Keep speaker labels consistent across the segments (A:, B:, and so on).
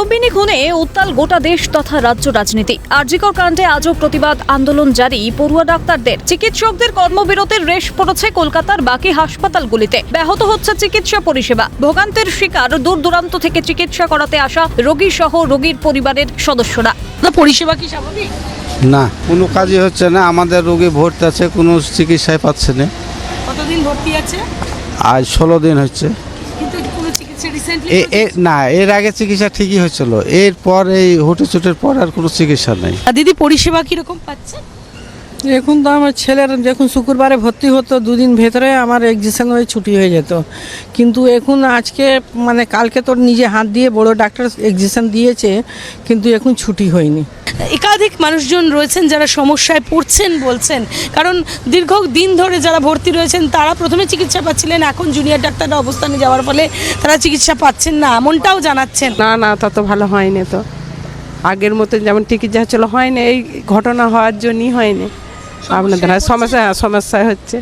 A: কাদম্বিনী খুনে উত্তাল গোটা দেশ তথা রাজ্য রাজনীতি। আরজিকর কাণ্ডে আজও প্রতিবাদ আন্দোলন জারি পড়ুয়া ডাক্তারদের। চিকিৎসকদের কর্মবিরতির রেশ পড়েছে কলকাতার বাকি হাসপাতালগুলিতে। ব্যাহত হচ্ছে চিকিৎসা পরিষেবা। ভোগান্তির শিকার দূর দূরান্ত থেকে চিকিৎসা করাতে আসা রোগী সহ রোগীর পরিবারের সদস্যরা।
B: পরিষেবা কি স্বাভাবিক?
C: না, কোনো কাজই হচ্ছে না। আমাদের রোগী ভর্তি আছে, কোনো চিকিৎসায় পাচ্ছে না।
B: কতদিন ভর্তি আছে?
C: আজ 16 দিন হচ্ছে।
B: কিন্তু কোনো চিকিৎসা রিসেন্টলি
C: না, এর আগে চিকিৎসা ঠিকই হয়েছিল, এরপর এই হুটেচুটের পর আর কোনো চিকিৎসা নেই।
B: দিদি পরিষেবা কিরকম পাচ্ছে?
D: এখন তো আমার ছেলের যখন শুক্রবারে ভর্তি হতো, দুদিন ভেতরে আমার এক্সিশন হয়ে ছুটি হয়ে যেত। কিন্তু এখন আজকে মানে কালকে তোর নিজে হাত দিয়ে বড় ডাক্তার এক্সিশন দিয়েছে, কিন্তু এখন ছুটি হয়নি।
B: একাধিক মানুষজন রয়েছেন যারা সমস্যায় পড়ছেন বলছেন, কারণ দীর্ঘদিন ধরে যারা ভর্তি রয়েছেন তারা প্রথমে চিকিৎসা পাচ্ছিলেন, এখন জুনিয়র ডাক্তাররা অবস্থানে যাওয়ার ফলে তারা চিকিৎসা পাচ্ছেন না, এমনটাও জানাচ্ছেন।
E: না তত ভালো হয়নি, তো আগের মতো যেমন চিকিৎসা ছিল হয়নি, এই ঘটনা হওয়ার জন্যই হয়নি। আপনাদের সমস্যায় হচ্ছে।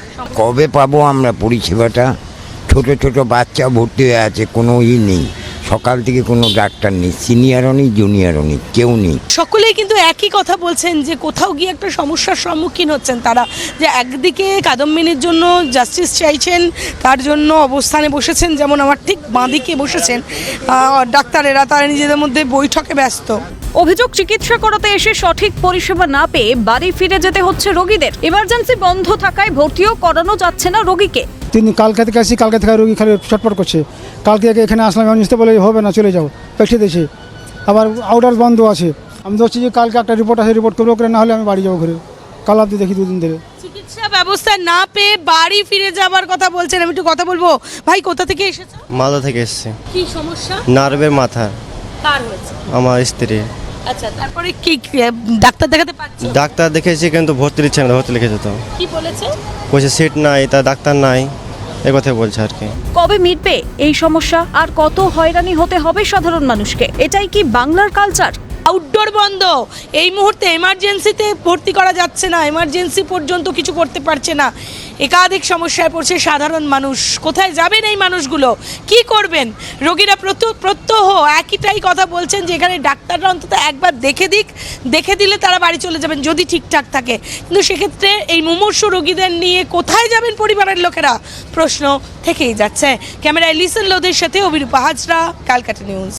F: কবে পাবো আমরা পরিষেবাটা? ছোট ছোট বাচ্চা ভর্তি হয়ে আছে, কোনো নেই। সকাল থেকে কোনো ডাক্তার নেই, সিনিয়রও নেই, জুনিয়রও নেই, কেউ নেই।
B: সকলেই কিন্তু একই কথা বলছেন যে কোথাও গিয়ে একটা সমস্যার সম্মুখীন হচ্ছেন তারা, যে একদিকে কাদম্বিনীর জন্য জাস্টিস চাইছেন, তার জন্য অবস্থানে বসেছেন, যেমন আমার ঠিক বাঁদিকে বসেছেন ডাক্তারেরা, তারা নিজেদের মধ্যে বৈঠকে ব্যস্ত।
A: অভিযোগ, চিকিৎসা করাতে এসে সঠিক পরিষেবা না পেয়ে বাড়ি ফিরে যেতে হচ্ছে রোগীদের। ইমার্জেন্সি বন্ধ থাকায় ভর্তিও করানো যাচ্ছে না রোগীকে।
G: তিনি কালকে থেকে আসি, কালকে থেকে রোগী খালি ছটপট করছে। কালকে এখানে আসলাম, আমি নিতে বলে হবে না, চলে যাও, পাঠিয়ে দিয়েছে। আবার আউটার বন্ধ আছে। আমি বলছি যে কালকে একটা রিপোর্ট আছে, রিপোর্ট করবো, করে না হলে আমি বাড়ি যাবো ঘুরে। কাল অব্দি দেখি 2 দিন ধরে
B: চিকিৎসা ব্যবস্থা না পেয়ে বাড়ি ফিরে যাবার কথা বলছেন। আমি একটু কথা বলবো। ভাই, কোথা থেকে এসেছো?
H: মালদা থেকে এসেছে।
B: কি সমস্যা?
H: নার্ভের মাথা।
B: কার হয়েছে?
H: আমার স্ত্রী।
B: আচ্ছা, তারপরে কি ডাক্তার দেখাতে পারছো?
H: ডাক্তার দেখেছি কিন্তু ভর্তি দিচ্ছে না, ভর্তি লিখেছে তো।
B: কি বলেছে?
H: বলছে সিট নাই, তা ডাক্তার নাই, এই কথাই বলছে আর কি।
A: কবে মিটবে এই সমস্যা? আর কত হয়রানি হতে হবে সাধারণ মানুষকে? এটাই কি বাংলার কালচার?
B: আউটডোর বন্ধ, এই মুহূর্তে এমার্জেন্সিতে ভর্তি করা যাচ্ছে না, এমার্জেন্সি পর্যন্ত কিছু করতে পারছে না। একাধিক সমস্যায় পড়ছে সাধারণ মানুষ। কোথায় যাবেন এই মানুষগুলো? কি করবেন? রোগীরা প্রত্যহ একইটাই কথা বলছেন যে এখানে ডাক্তাররা অন্তত একবার দেখে দিলে তারা বাড়ি চলে যাবেন যদি ঠিকঠাক থাকে। কিন্তু সেক্ষেত্রে এই মুমূর্ষু রোগীদের নিয়ে কোথায় যাবেন পরিবারের লোকেরা? প্রশ্ন থেকেই যাচ্ছে। ক্যামেরায় লিসন লোদের সাথে অভিরূপা হাজরা, ক্যালকাটা নিউজ।